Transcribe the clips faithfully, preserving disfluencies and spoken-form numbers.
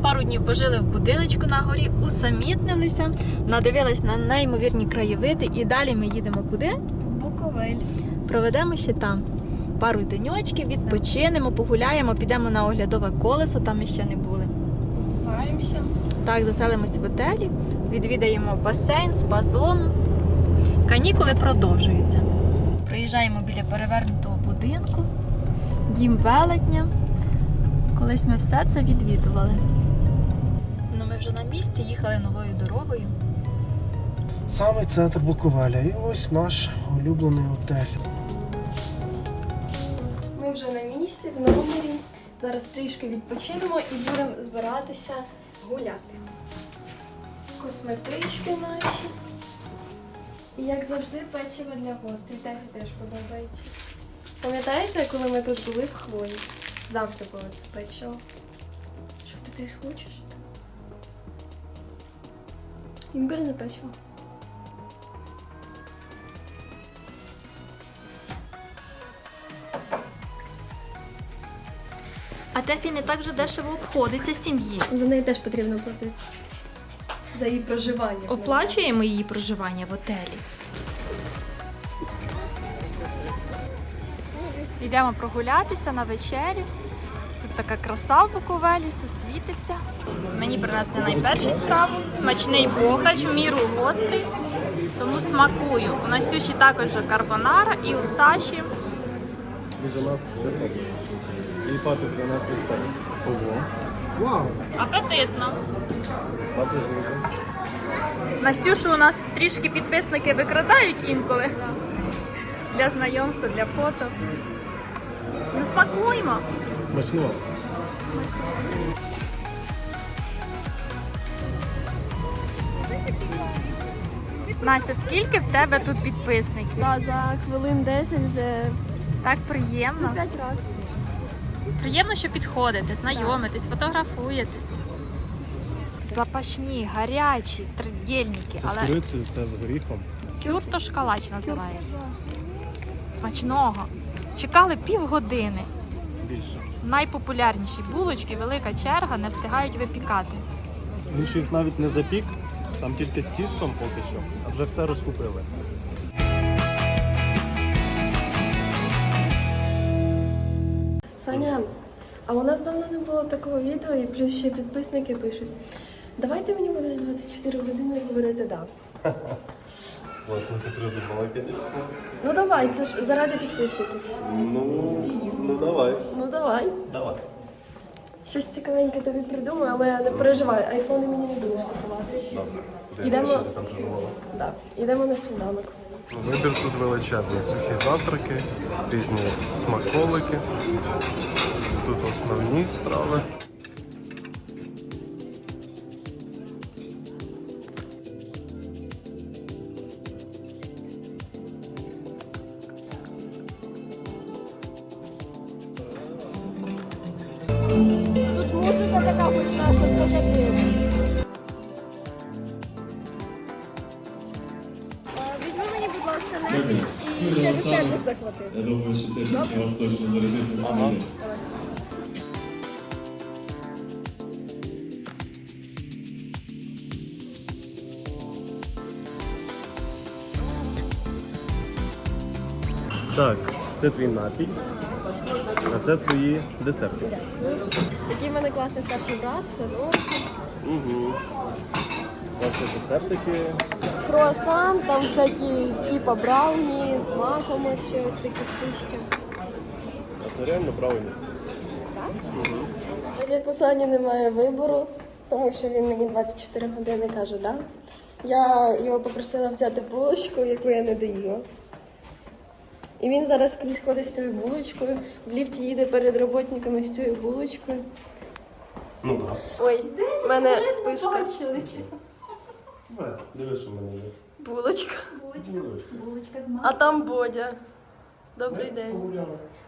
пару днів пожили в будиночку на горі, усамітнилися, надивились на неймовірні краєвиди і далі ми їдемо куди? Буковель. Проведемо ще там пару деньочків, відпочинемо, погуляємо, підемо на оглядове колесо, там ми ще не були. Покупаємося. Так, заселимось в готелі, відвідаємо басейн, спа-зону. Канікули продовжуються. Приїжджаємо біля перевернутого будинку, дім велетня. Колись ми все це відвідували. Ну, ми вже на місці, їхали новою дорогою. Самий центр Буковеля. І ось наш улюблений готель. Ми вже на місці, в номері. Зараз трішки відпочинемо і будемо збиратися гуляти. Косметички наші. І, як завжди, печиво для гостей. Тефі теж подобається. Пам'ятаєте, коли ми тут були в Хвої? Завжди було це печиво. Що ти теж хочеш? Імбирне печиво. А Тефі не так же дешево обходиться сім'ї. За неї теж потрібно платити. За її проживання. Оплачуємо її проживання в готелі. Йдемо прогулятися на вечерю. Тут така краса в Буковелі, все світиться. Мені принесли найпершу страву. Смачний бограч, в міру гострий, тому смакую. У Настюші також карбонара і у Саші. Свіжина з виходу. І папі принесли стейк. Ого. Вау! Апетитно. Папі жовтий. Настюшу у нас трішки підписники викрадають інколи. Для знайомства, для фото. Ну смакуємо. Смачно. Настя, скільки в тебе тут підписників? Да, за хвилин десять вже Так приємно. п'ять разів. Приємно, що підходите, знайомитесь, фотографуєтесь. Запашні, гарячі, тридільники. Це з Але курицею, це з горіхом. кюрто шкалач називається. Смачного. Чекали півгодини. Більше. Найпопулярніші булочки, велика черга, не встигають випікати. Він ще їх навіть не запік, там тільки з тістом поки що, а вже все розкупили. Саня, а у нас давно не було такого відео, і плюс ще підписники пишуть. Давайте мені будеш двадцять чотири години говорити «да». Власне, ти придумала, звісно. Ну давай, це ж заради підписників. Ну, ну давай. Ну давай. Давай. Щось цікавеньке тобі придумаю, але не переживай, айфони мені не будеш купувати. Добре. Ідемо. Що ти там придумала? Да. Ідемо на сніданок. Вибір тут величезний. Сухі завтраки, різні смаколики. Тут основні страви. Тут музика така гучна, що це таке. Візьми мені, будь ласка, небі і ще десерт захвати. Я думаю, що ця пісня вас точно зарядить на цілий день. Так, це твій напій, а це твої десерти. Такий в мене класний старший брат, все добре. Угу. Власне, десертики. Круасан, там всякі типа брауні, з маком ось ще ось такі штучки. А це реально правильно. Так? Угу. Так як у Сані немає вибору, тому що він мені двадцять чотири години каже «да». Я його попросила взяти булочку, яку я не доїла. І він зараз скрізь ходить з цією булочкою, в ліфті їде перед роботниками з цією булочкою. Ну так. Ой, в мене спишка. Да. Диви, що в мене є. Булочка. Булочка. А там Бодя. Добрий день.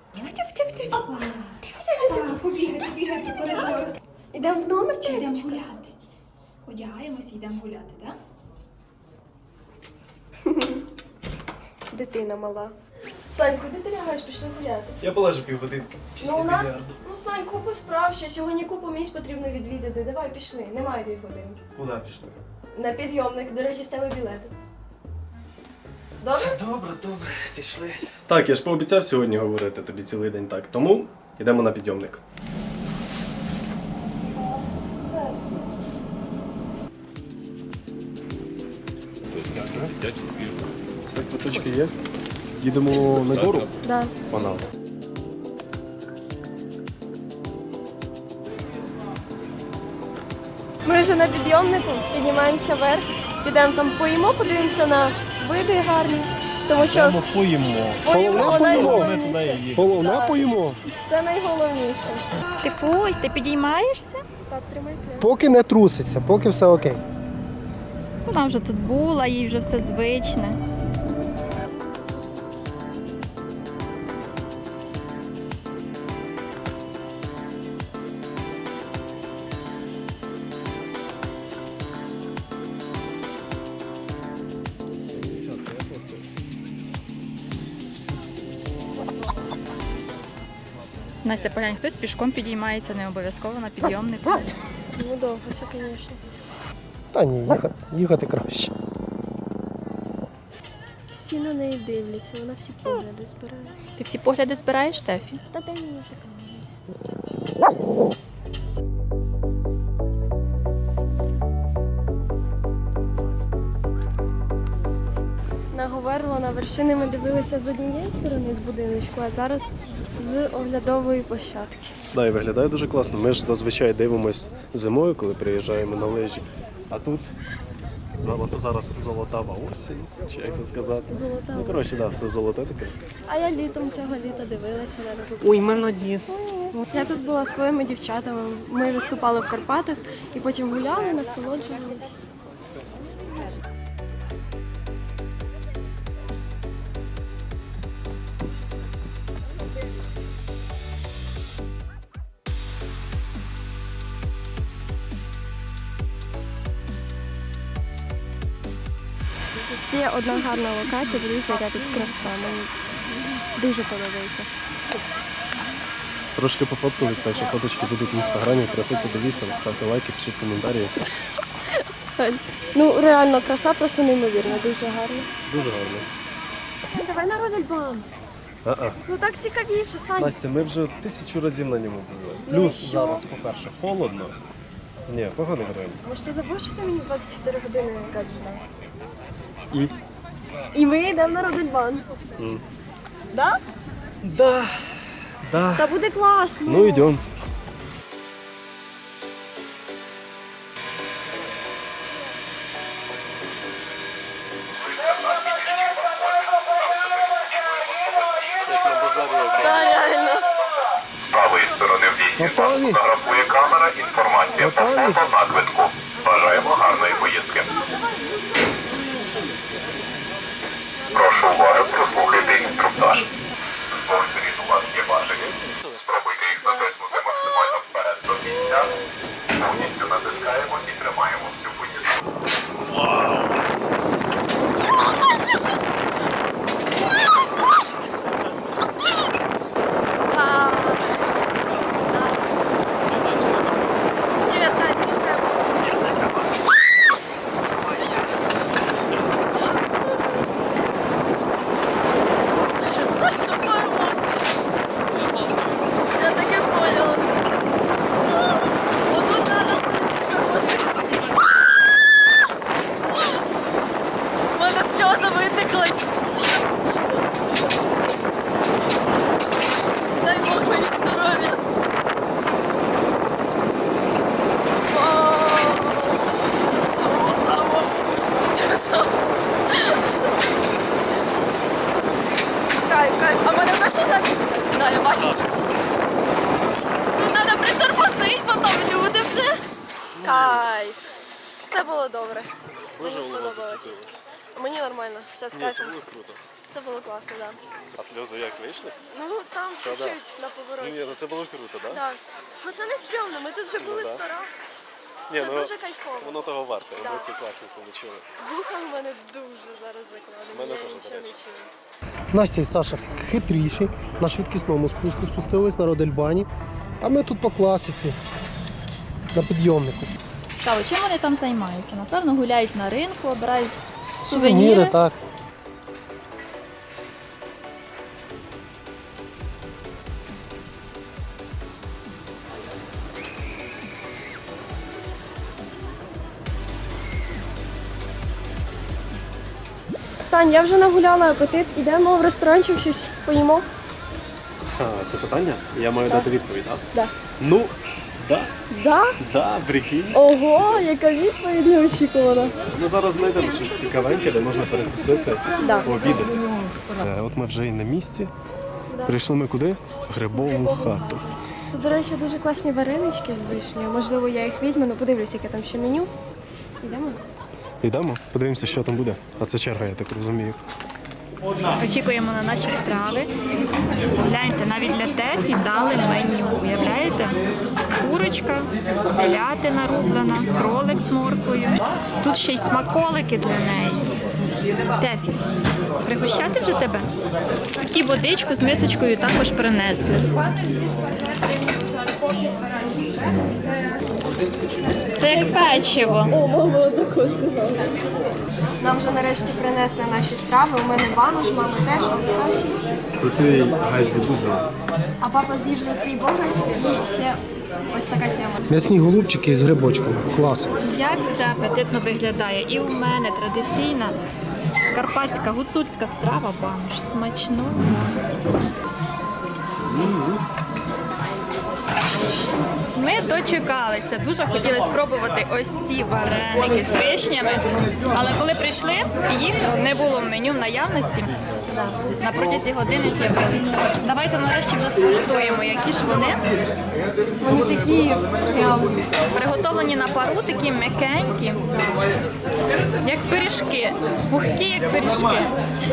Ідемо в номер чи Йдемо гуляти. Одягаємось і йдемо гуляти, так? Дитина мала. Сань, куди ти лягаєш? Пішли гуляти. Я полежу півгодинки після Ну у нас, більярду. ну Сань, купу справ, ще сьогодні купу місць потрібно відвідати. Давай, пішли, немає півгодинки. Куди пішли? На підйомник, до речі, з тебе білети. Добре? Добре, добре, пішли. Так, я ж пообіцяв сьогодні говорити тобі цілий день так. Тому йдемо на підйомник. Все, квиточки є. Їдемо на гору. Да. Панам. Ми вже на підйомнику, піднімаємося вверх, підемо там поїмо, подивимося на види гарні. Тому що поїмо. поїмо найголовніше. Головне Так. поїмо. Це найголовніше. Ти Фусь, ти підіймаєшся? Так, тримайте. Поки не труситься, поки все окей. Вона вже тут була, їй вже все звичне. Настя, поглянь, хтось пішком підіймається, не обов'язково на підйомнику. Ну довго, це, звісно. Та ні, їхати, їхати краще. Всі на неї дивляться, вона всі погляди збирає. Ти всі погляди збираєш, Штефі? Та дай мені вже камінь. На Говерло, на вершини ми дивилися з однієї сторони з будиночку, а зараз з оглядової площадки. Да, і виглядає дуже класно. Ми ж зазвичай дивимось зимою, коли приїжджаємо на лижі. А тут золо- зараз золотава осінь, чи як це сказати. Золота Ну, коротше, да, все золоте таке. А я літом цього літа дивилася на таку. Ой, молодець. Я тут була зі своїми дівчатами. Ми виступали в Карпатах і потім гуляли, насолоджувалися. Ще одна гарна локація, дивіться, яка тут краса. Мені дуже подобається. Трошки пофоткались, так що фоточки будуть в інстаграмі. Приходьте, дивіться, ставте лайки, пишіть коментарі. Ну, реально, краса просто неймовірна, дуже гарна. Дуже гарно. Давай на Родельбан. А-а. Ну так цікавіше, Сань. Настя, ми вже тисячу разів на ньому були. Плюс що? зараз, по-перше, холодно. Ні, поганий варіант. Може, ти забув, що ти мені двадцять чотири години кажеш, так? І? І ми йдемо на Родельбан. М. Да? Да. Да. Та буде класно. Ну, йдемо. Як на базарі. Та реально. З правої сторони в лісі вас Готові? фотографує камера. Інформація по Готові? фото на квитку. Бажаємо гарної поїздки. Прошу уваги, прослухайте інструктаж. З двох сторін у вас є важелі. Спробуйте їх натиснути максимально вперед до кінця. Повністю натискаємо і тримаємо всю поїздку. Ні, Сань, не треба. Сань, що по емоції? Я таке поняла. Отут треба буде притормозити. У мене сльози витекли. Дай Бог мені здоров'я. Кайф, кайф. А в мене точно запись? Да, я бачу. Тут треба притормозити, потім люди вже. Кайф. Це було добре. Мені сподобалось. Мені нормально, все з кайфом. Круто. Це було класно, так. А сльози як вийшли? Ну там Та да. чуть-чуть на повороті. Ні, ну це було круто, так? Да? Так. Ну це не стрьомно, ми тут вже були да. сто раз. Ні, Це ну, дуже кайфово. Воно того варте, Да. емоції класні отримали. Вуха в мене дуже зараз закладені. Мене Я теж, до нічого не речі. чую. Настя і Саша хитріші. На швидкісному спуску спустились на Родельбані. А ми тут по класиці. На підйомнику. Цікаво, чим вони там займаються? Напевно, гуляють на ринку, обирають Сувеніри, сувеніри. так. Сань, я вже нагуляла апетит. Ідемо в ресторанчик щось поїмо. А, це питання? Я маю дати відповідь, так? Да. Ну, да, Да? да, прикинь. Ого, яка відповідь неочікувана. Ми зараз знайдемо щось цікавеньке, де можна перекусити, Да. пообідати. Е, От ми вже і на місці. Прийшли ми куди? В Грибову хату. Тут, до речі, дуже класні варенички з вишнею. Можливо, я їх візьму, ну подивлюсь, яке там ще меню. Ідемо. Йдемо, подивимося, що там буде. А це черга, я так розумію. Очікуємо на наші страви. Гляньте, навіть для Тефі дали меню. Уявляєте? Курочка, телятина рублена, кролик з морквою. Тут ще й смаколики для неї. Тефі, пригощати вже тебе? І водичку з мисочкою також принесли. Це як печиво. О, мама однако сказала. Нам вже нарешті принесли наші страви. У мене банош, мами теж, а у Саші. Крутий газі дубль. А папа з'їв вже свій богач і ще ось така тема. М'ясні голубчики з грибочками. Клас. Як все апетитно виглядає. І у мене традиційна карпатська гуцульська страва банош. Смачно. Ми дочекалися. Дуже хотіли спробувати ось ці вареники з вишнями. Але коли прийшли, їх не було в меню в наявності. На протязі години з'явилися. Давайте нарешті вже скуштуємо, які ж вони. Вони такі прям Приготовлені на пару, такі м'якенькі, як пиріжки, пухкі, як пиріжки.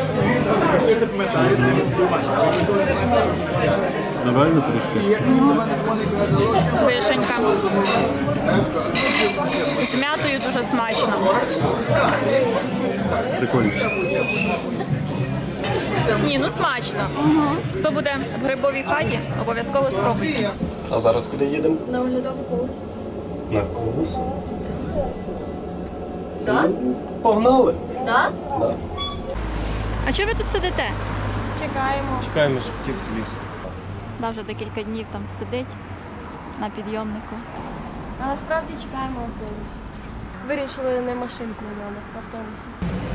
Давай на трішки. Вишенька. З м'ятою дуже смачно. Прикольно. Ні, ну смачно. Хто буде в грибовій хаті, обов'язково спробуйте. А зараз куди їдемо? на оглядовий колес. На колесо. Так? Погнали. Так? Да. А чого ви тут сидите? Чекаємо. Чекаємо, щоб кіп зліз. Да, вже декілька днів там сидить на підйомнику. А насправді чекаємо автобус. Вирішили не машинку нам, автобусом.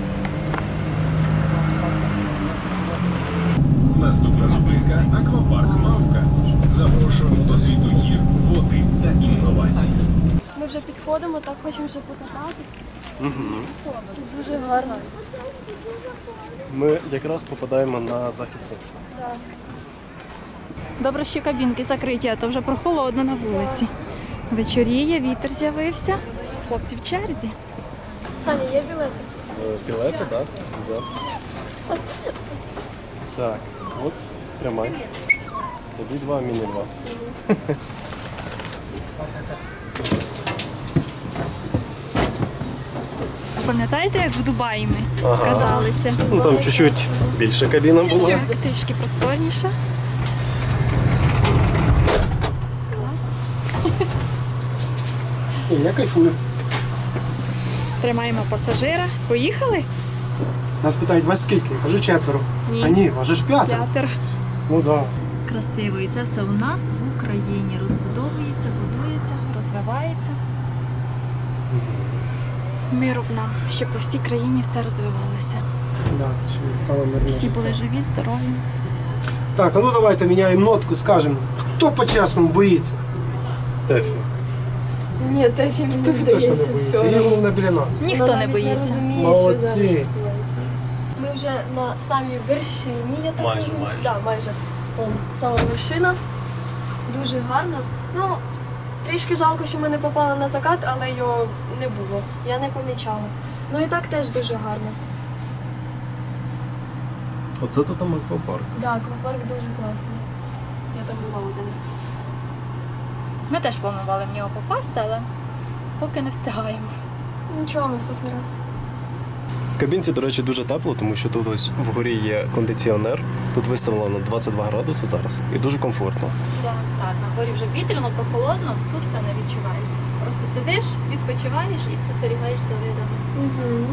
Наступна зупинка – аквапарк «Мавка». Запрошуємо до світу гір, води та інновацій. Ми вже підходимо, так хочемо ще покататися. Угу. Тут дуже гарно. Ми якраз попадаємо на захід сонця. Да. Добре, що кабінки закриті, а то вже прохолодно на вулиці. Вечоріє, вітер з'явився. Хлопці в черзі. Саня, є білети? Е, Білети, так? За. Так, от, тримай. Тобі два, мені два. Пам'ятаєте, як в Дубаї ми Ага. каталися? Ну там чуть-чуть більше кабіна була. Чуть-чуть, трішки просторніше. Ні, я кайфую. Тримаємо пасажира. Поїхали? Нас питають, вас скільки? Кажу четверо. Ні. Та ні, вас же ж п'ятеро. П'ятер. Ну так. Красиво. І це все у нас в Україні розбудовується, будується, розвивається. Миру б нам, щоб по всій країні все розвивалося. Да, щоб стало мирніше. Всі були живі, здорові. Так, а ну давайте міняємо нотку, скажемо, хто по-чесному боїться? Тефі. Ні, Тефі мені Ти точно не здається, боїться. все. І головне біля нас. Ніхто Вона не навіть боїться. Не розуміє, Молодці. що зараз відбувається. Ми вже на самій вершині, я так Майже, розумію. майже. Да, майже. Вон, сама вершина. Дуже гарно. Ну, трішки жалко, що ми не попали на закат, але його не було. Я не помічала. Ну і так теж дуже гарно. Оце то там аквапарк. Так, аквапарк дуже класний. Я там була один раз. Ми теж планували в нього попасти, але поки не встигаємо. Нічого, наступний раз. В кабінці, до речі, дуже тепло, тому що тут ось вгорі є кондиціонер. Тут виставлено двадцять два градуси зараз і дуже комфортно. Так, на дворі вже вітряно, прохолодно, тут це не відчувається. Просто сидиш, відпочиваєш і спостерігаєш за видами. Угу.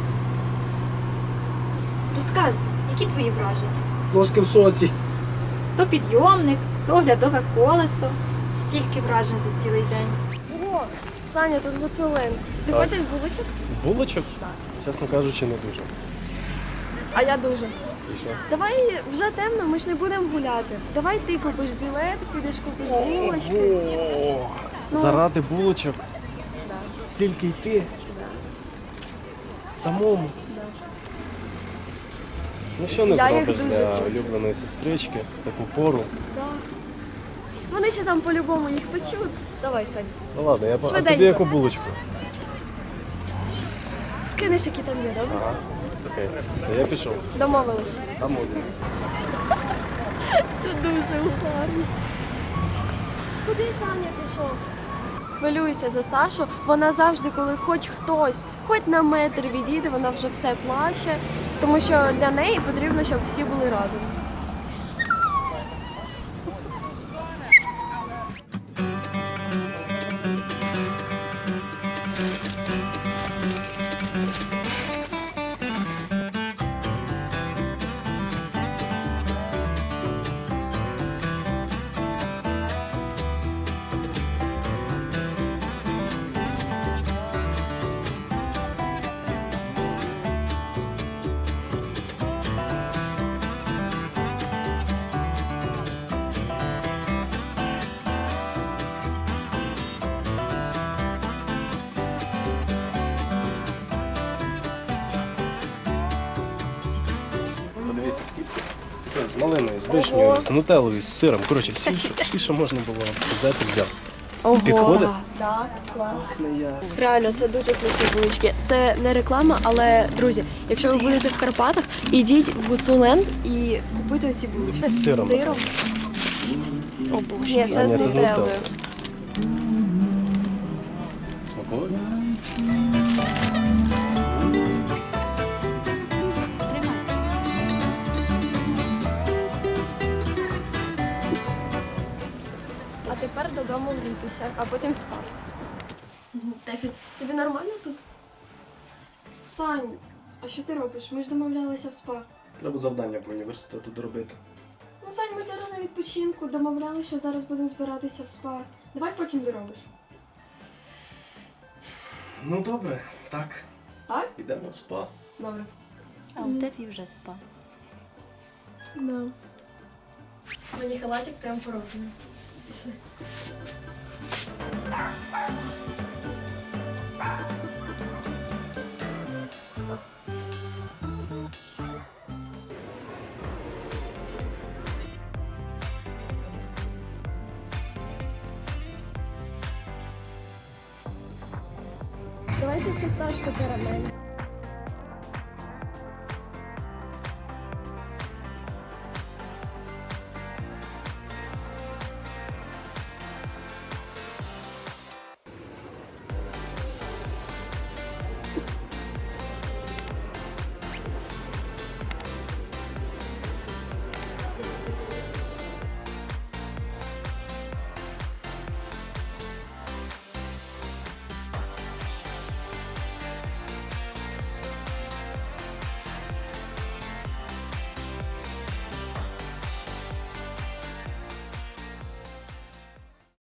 Розказуй, які твої враження? Трошки в соці. То підйомник, то оглядове колесо. Стільки вражень за цілий день. О, Саня, тут гуцулин. Ти Так. хочеш булочок? Булочок? Чесно кажучи, не дуже. А я дуже. І що? Давай вже темно, ми ж не будемо гуляти. Давай ти купиш білет, підеш купиш булочки. Ну. Заради булочок? Стільки йти? Самому? Ну що не Я їх зробиш дуже для хочу. улюбленої сестрички в таку пору? Да. Вони ще там по-любому їх печуть. Давай, Сань. Ну ладно, я по- а Швиденько. тобі яку булочку? Скинеш, які там є, добре? Ага. Окей. Все, я пішов. Домовились. Там один. Це дуже гарно. Куди Саня пішов? Хвилюється за Сашу. Вона завжди, коли хоч хтось, хоч на метр відійде, вона вже все плаче, тому що для неї потрібно, щоб всі були разом. Подивіться, скільки. З малиною, з вишнею, з нутеллою, з сиром. Коротше, всі, що, всі, що можна було взяти, взяв. Підходить? Так, клас. Реально, це дуже смачні булочки. Це не реклама, але друзі, якщо ви будете в Карпатах, ідіть в Гуцуленд і купуйте ці булочки. З сиром. З сиром. О, Боже. Ні, А, це ні, з це з нутеллою. нутеллою. Смакує? А тепер додому грітися, а потім спати. Тефі, тобі нормально тут? Сань, а що ти робиш? Ми ж домовлялися в спа. Треба завдання по університету доробити. Ну, Сань, ми зараз на відпочинку, домовлялися, що зараз будемо збиратися в спа. Давай потім доробиш. Ну добре, так. Так? Йдемо в спа. Добре. А у тебе вже спав. Да. Мені халатик прям по розміру. Пішли. Давайте фісташку карамель.